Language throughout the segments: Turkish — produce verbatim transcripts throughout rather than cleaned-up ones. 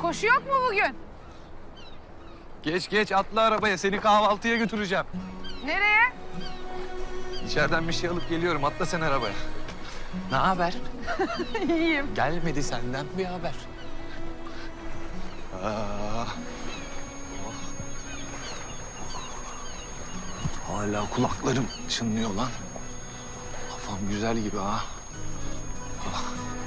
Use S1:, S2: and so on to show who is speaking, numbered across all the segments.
S1: Koşu yok mu bugün?
S2: Geç geç atla arabaya, seni kahvaltıya götüreceğim.
S1: Nereye?
S2: İçeriden bir şey alıp geliyorum, atla sen arabaya. Ne haber?
S1: İyiyim.
S2: Gelmedi senden bir haber. Aa. Oh. Hala kulaklarım çınlıyor lan. Kafam güzel gibi ha. Ah.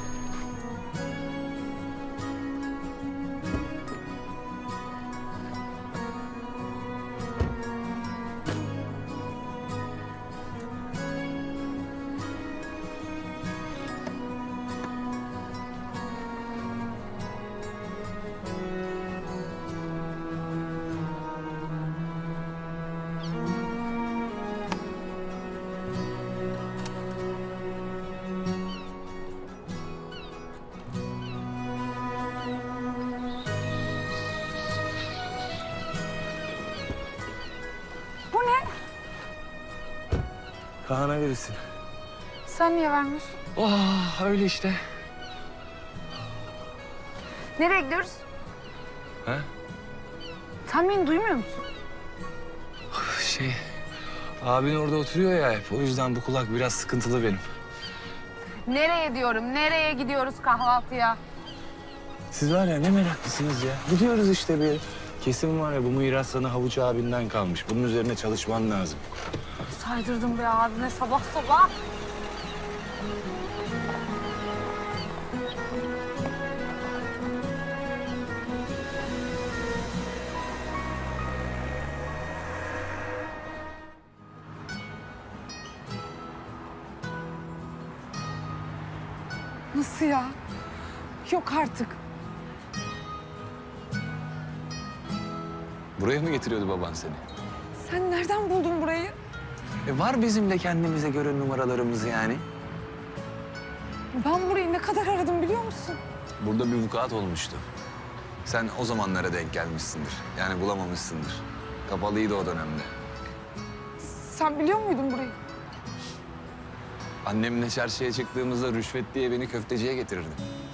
S1: Bu ne?
S2: Kaan'a verirsin.
S1: Sen niye vermiyorsun?
S2: Oh, öyle işte.
S1: Nereye gidiyoruz?
S2: Ha?
S1: Sen beni duymuyor musun?
S2: Şey, abin orada oturuyor ya hep. O yüzden bu kulak biraz sıkıntılı benim.
S1: Nereye diyorum? Nereye gidiyoruz kahvaltıya?
S3: Siz var ya ne meraklısınız ya. Gidiyoruz işte bir yere. Kesin var ya bu miras sana Havuç abinden kalmış. Bunun üzerine çalışman lazım.
S1: Saydırdım be abime sabah sabah. Nasıl ya? Yok artık.
S2: Buraya mı getiriyordu baban seni?
S1: Sen nereden buldun burayı?
S2: E var bizim de kendimize göre numaralarımız yani.
S1: Ben burayı ne kadar aradım biliyor musun?
S2: Burada bir vukuat olmuştu. Sen o zamanlara denk gelmişsindir. Yani bulamamışsındır. Kapalıydı o dönemde.
S1: Sen biliyor muydun burayı?
S2: Annemle çarşıya çıktığımızda rüşvet diye beni köfteciye getirirdi.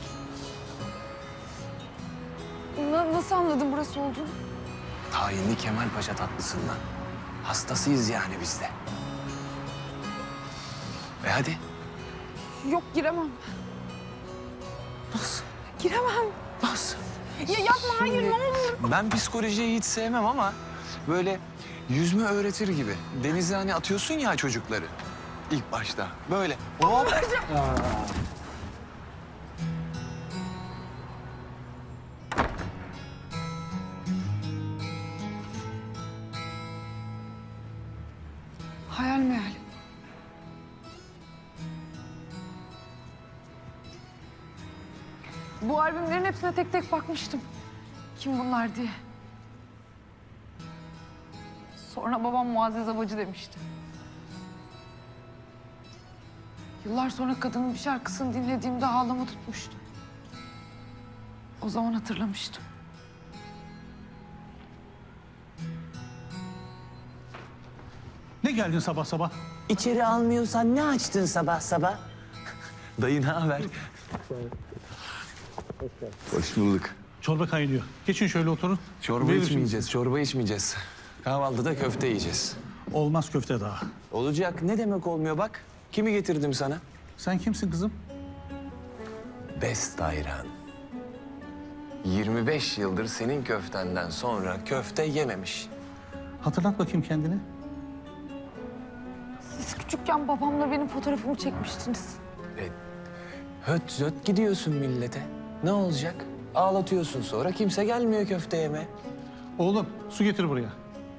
S1: Na- nasıl anladın burası olduğunu?
S2: Tayinli Kemal Paşa tatlısından. Hastasıyız yani biz de. E hadi.
S1: Yok giremem.
S2: Nasıl?
S1: Giremem.
S2: Nasıl?
S1: Ya yapma hayır ne olur.
S2: Ben psikolojiyi hiç sevmem ama böyle yüzme öğretir gibi. Denize hani atıyorsun ya çocukları ilk başta. Böyle. Hop.
S1: Hayal meyal. Bu albümlerin hepsine tek tek bakmıştım. Kim bunlar diye. Sonra babam Muazzez Abacı demişti. Yıllar sonra kadının bir şarkısını dinlediğimde ağlama tutmuştu. O zaman hatırlamıştım.
S4: Ne geldin sabah sabah?
S3: İçeri almıyorsan ne açtın sabah sabah?
S2: Dayı ne haber? Hoş bulduk.
S4: Çorba kaynıyor. Geçin şöyle oturun.
S2: Çorba
S4: Verir
S2: içmeyeceğiz, çorba içmeyeceğiz. Kahvaltıda köfte yiyeceğiz.
S4: misiniz? Olmaz köfte daha.
S2: Olacak. Ne demek olmuyor bak. Kimi getirdim sana?
S4: Sen kimsin kızım?
S2: Best Ayran. yirmi beş yıldır senin köftenden sonra köfte yememiş.
S4: Hatırlat bakayım kendini.
S1: Siz küçükken babamla benim fotoğrafımı çekmiştiniz.
S2: E, höt zöt gidiyorsun millete. Ne olacak? Ağlatıyorsun sonra kimse gelmiyor köfte yeme.
S4: Oğlum su getir buraya.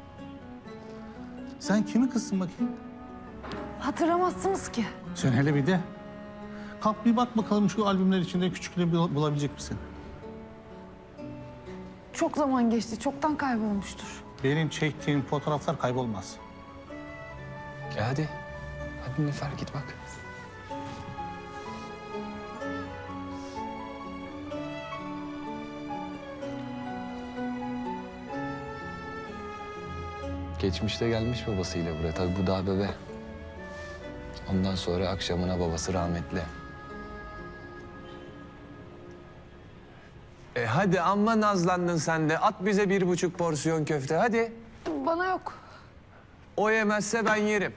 S4: Sen kimin kızsın bakayım?
S1: Hatırlamazsınız ki.
S4: Sen hele bir de. Kalk bir bak bakalım şu albümler içinde küçüklüğünü bul- bulabilecek misin?
S1: Çok zaman geçti, çoktan kaybolmuştur.
S4: Benim çektiğim fotoğraflar kaybolmaz.
S2: E hadi. Hadi Nilüfer git bak. Geçmişte gelmiş babasıyla buraya. Tabii bu daha bebe. Ondan sonra akşamına babası rahmetli. E hadi amma nazlandın sen de. At bize bir buçuk porsiyon köfte hadi.
S1: Bana yok.
S2: O yemezse ben yerim.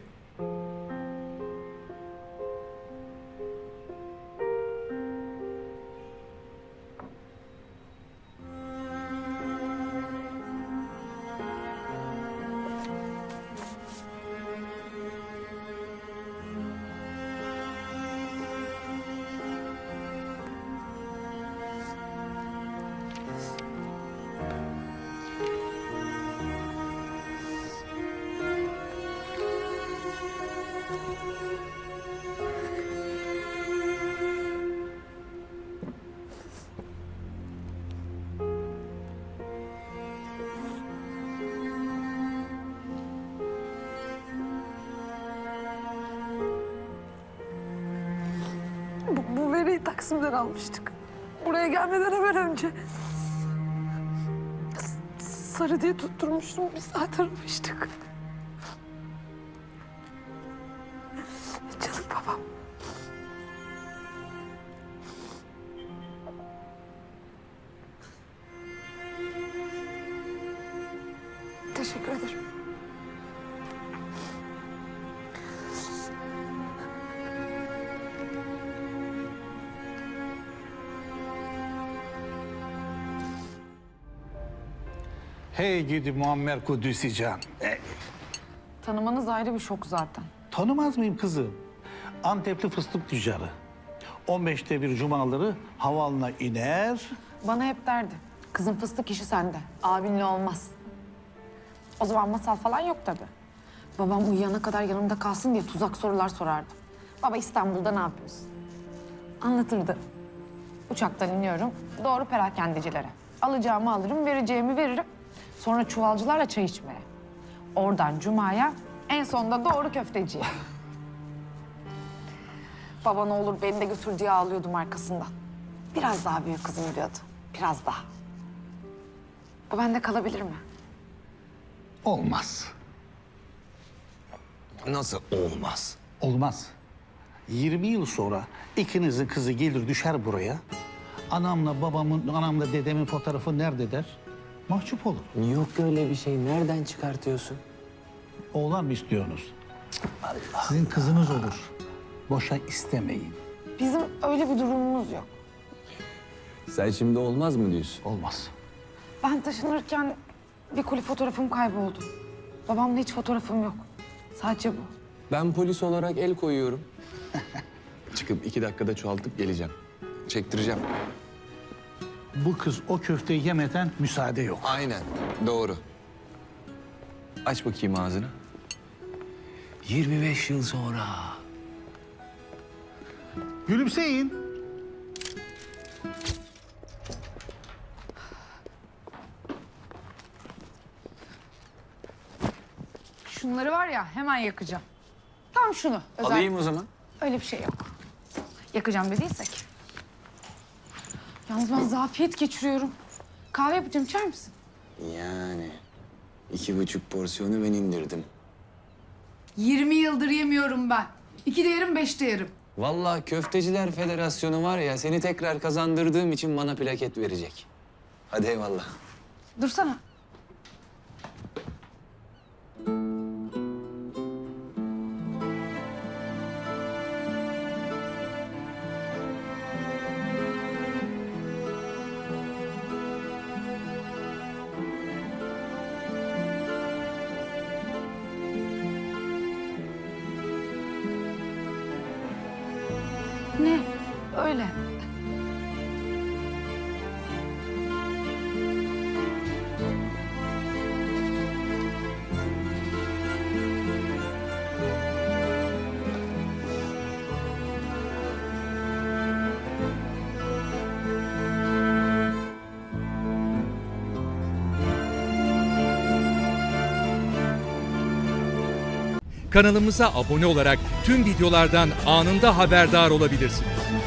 S1: Bu, bu veriyi Taksim'den almıştık. Buraya gelmeden hemen önce. S- Sarı diye tutturmuştum. Bir saat aramıştık. Canım babam. Teşekkür ederim.
S5: Hey gidi Muammer Kudüs'ü can. E,
S1: Tanımanız ayrı bir şok zaten.
S5: tanımaz mıyım kızım? Antepli fıstık tüccarı. on beşte bir cumaları havalına iner.
S1: Bana hep derdi. Kızın fıstık işi sende. Abinle olmaz. O zaman masal falan yok tabii. Babam uyuyana kadar yanımda kalsın diye tuzak sorular sorardı. Baba İstanbul'da ne yapıyorsun? Anlatırdı. Uçaktan iniyorum. Doğru perakendecilere. Alacağımı alırım, vereceğimi veririm. Sonra çuvalcılarla çay içmeye. Oradan Cuma'ya, en sonunda doğru köfteciye. Baba ne olur beni de götür diye ağlıyordum arkasından. Biraz daha büyük kızım diyordu. Biraz daha. Bu bende kalabilir mi?
S5: Olmaz.
S2: Nasıl olmaz?
S5: Olmaz. yirmi yıl sonra ikinizin kızı gelir düşer buraya. Anamla babamın, anamla dedemin fotoğrafı nerede der? Mahcup olur.
S3: Yok öyle bir şey. Nereden çıkartıyorsun?
S5: Oğlan mı istiyorsunuz? Sizin kızınız olur. Boşa istemeyin.
S1: Bizim öyle bir durumumuz yok.
S3: Sen şimdi olmaz mı diyorsun?
S5: Olmaz.
S1: Ben taşınırken bir koli fotoğrafım kayboldu. Babamla hiç fotoğrafım yok. Sadece bu.
S2: Ben polis olarak el koyuyorum. Çıkıp iki dakikada çoğaltıp geleceğim. Çektireceğim.
S5: Bu kız o köfteyi yemeden müsaade yok.
S2: Aynen, doğru. Aç bakayım ağzını. yirmi beş yıl sonra.
S5: Gülümseyin.
S1: Şunları var ya hemen yakacağım. Tam şunu. Özel.
S2: Alayım o zaman.
S1: Öyle bir şey yok. Yakacağım dediysek. Yalnız ben zafiyet geçiriyorum. Kahve yapacağım, içer misin?
S2: Yani iki buçuk porsiyonu ben indirdim.
S1: yirmi yıldır yemiyorum ben. İki de yerim, beş de yerim.
S2: Vallahi Köfteciler Federasyonu var ya, seni tekrar kazandırdığım için bana plaket verecek. Hadi eyvallah.
S1: Dursana. Ne? Öyle.
S6: Kanalımıza abone olarak tüm videolardan anında haberdar olabilirsiniz.